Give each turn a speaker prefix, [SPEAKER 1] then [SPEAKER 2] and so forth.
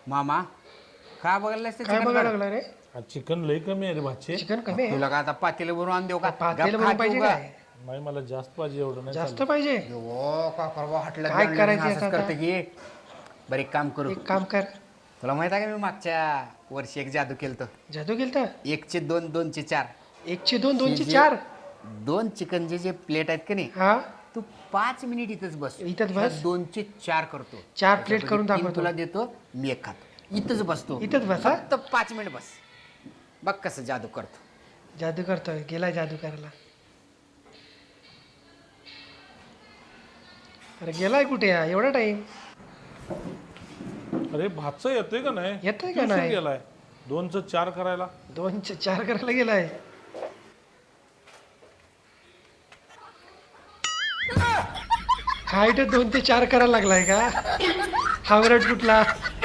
[SPEAKER 1] मामा का बघायला
[SPEAKER 2] काय बघायला लागला रे?
[SPEAKER 3] चिकन लई कमी आहे रे भाचे.
[SPEAKER 2] चिकन कमी आहे.
[SPEAKER 1] तुला का आता पातेलं भरून आण देऊ का?
[SPEAKER 2] पातेलं
[SPEAKER 1] गप्प
[SPEAKER 2] भरून
[SPEAKER 1] खा
[SPEAKER 2] पाहिजे
[SPEAKER 1] तू का?
[SPEAKER 2] काय?
[SPEAKER 3] नाही मला जास्त पाहिजे, एवढं नाही
[SPEAKER 2] जास्त
[SPEAKER 3] चालत.
[SPEAKER 2] पाहिजे.
[SPEAKER 1] ओ का करवा हटलं
[SPEAKER 2] काय करायचं
[SPEAKER 1] असंच
[SPEAKER 2] आता?
[SPEAKER 1] करते की बरं एक काम करू.
[SPEAKER 2] एक काम कर.
[SPEAKER 1] तुला माहित आहे का मी मागच्या वर्षी एक जादू केलं
[SPEAKER 2] जादू केलता?
[SPEAKER 1] 1चे 2 2चे 4
[SPEAKER 2] 1चे 2 2चे
[SPEAKER 1] जे-
[SPEAKER 2] 4.
[SPEAKER 1] 2 चिकनचे जे प्लेट आहेत का नाही
[SPEAKER 2] हा
[SPEAKER 1] तू 5 मिनिट इथंच बस.
[SPEAKER 2] इथंच बस?
[SPEAKER 1] 2चे 4 करतो.
[SPEAKER 2] 4 प्लेट करून
[SPEAKER 1] तीन
[SPEAKER 2] दाखवतो.
[SPEAKER 1] तुला देतो, मी एक खातो. इथंच बसतो.
[SPEAKER 2] इथंच बस, हा?
[SPEAKER 1] फक्त 5 मिनिट बस. बघ कसं जादू करतो.
[SPEAKER 2] जादू करतोय. गेलाय जादू करायला. अरे गेलाय कुठे हा? एवढा टाइम
[SPEAKER 3] अरे भातचं येतोय का नाही?
[SPEAKER 2] येतोय का
[SPEAKER 3] किती उशीर
[SPEAKER 2] नाही?
[SPEAKER 3] गेलाय 2चं 4 करायला.
[SPEAKER 2] 2चे 4 करायला गेलाय. हा इथे 2 ते 4 करायला लागलाय का? हावरट कुठला?